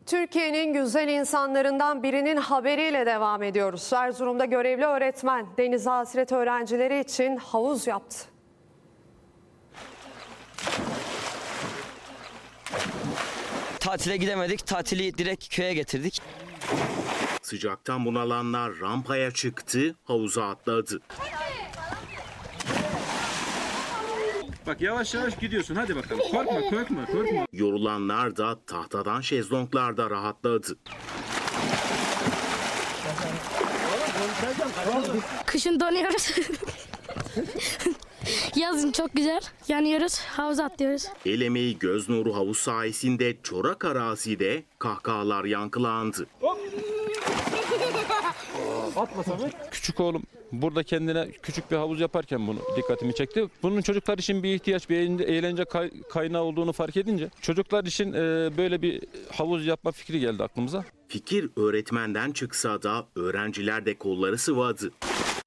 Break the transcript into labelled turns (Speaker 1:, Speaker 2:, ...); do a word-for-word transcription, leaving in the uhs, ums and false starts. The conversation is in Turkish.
Speaker 1: Türkiye'nin güzel insanlarından birinin haberiyle devam ediyoruz. Erzurum'da görevli öğretmen denize hasret öğrencileri için havuz yaptı.
Speaker 2: Tatile gidemedik, tatili direkt köye getirdik.
Speaker 3: Sıcaktan bunalanlar rampaya çıktı, havuza atladı.
Speaker 4: Bak yavaş yavaş gidiyorsun, hadi bakalım. Korkma, korkma, korkma.
Speaker 3: Yorulanlar da tahtadan şezlonglarda rahatladı.
Speaker 5: Kışın donuyoruz. Yazın çok güzel. Yanıyoruz, havuza atlıyoruz.
Speaker 3: El emeği göz nuru havuz sayesinde çorak arazide kahkahalar yankılandı.
Speaker 6: Küçük oğlum burada kendine küçük bir havuz yaparken bunu dikkatimi çekti. Bunun çocuklar için bir ihtiyaç, bir eğlence kaynağı olduğunu fark edince çocuklar için böyle bir havuz yapma fikri geldi aklımıza.
Speaker 3: Fikir öğretmenden çıksa da öğrenciler de kolları sıvadı.